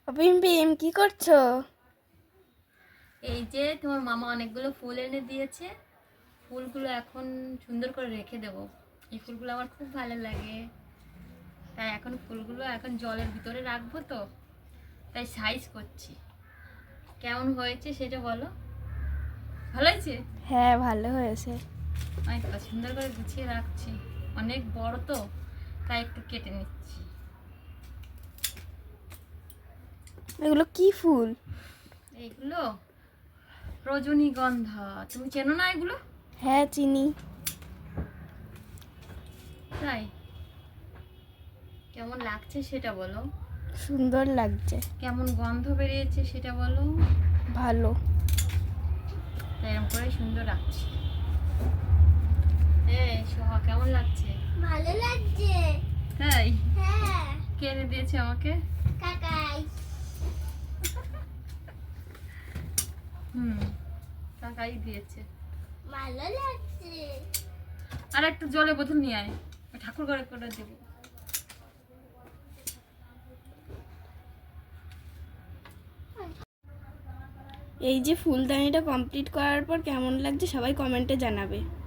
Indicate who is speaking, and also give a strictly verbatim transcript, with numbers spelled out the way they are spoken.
Speaker 1: Pym Pym কি করছো?
Speaker 2: এই যে তোমার মামা অনেকগুলো ফুল এনে দিয়েছে, ফুলগুলো এখন সুন্দর করে রেখে দেব। এই ফুলগুলো আমার খুব ভালো লাগে, তাই এখন ফুলগুলো এখন জলের ভিতরে রাখবো, তো তাই সাইজ করছি। কেমন হয়েছে সেটা বলো। ভালো হয়েছে?
Speaker 1: হ্যাঁ, ভালো হয়েছে।
Speaker 2: আমি তো সুন্দর করে গুছিয়ে রাখছি, অনেক বড় তো তাই একটু কেটে নিচ্ছি।
Speaker 1: এগুলো কি ফুল?
Speaker 2: এইগুলো রজনীগন্ধা, তুমি চেনো না এগুলো?
Speaker 1: হ্যাঁ, চিনি।
Speaker 2: তাই কেমন লাগছে সেটা বলো।
Speaker 1: সুন্দর লাগছে।
Speaker 2: কেমন গন্ধ বেরিয়েছে সেটা বলো।
Speaker 1: ভালো।
Speaker 2: তাই এরকম করে সুন্দর রাখছি। এই সোহা, কেমন লাগছে?
Speaker 3: ভালো লাগছে।
Speaker 2: তাই
Speaker 3: হ্যাঁ,
Speaker 2: কে এনে দিয়েছে আমাকে?
Speaker 3: কাকাই।
Speaker 2: হুম, কাকাই দিয়েছে।
Speaker 3: ভালো লাগছে।
Speaker 2: আর একটা জলের বোতল নিয়ে আয়, ওই ঠাকুর ঘরে করে দেবো।
Speaker 1: এই যে ফুলদানিটা কমপ্লিট করার পর কেমন লাগছে সবাই কমেন্টে জানাবে।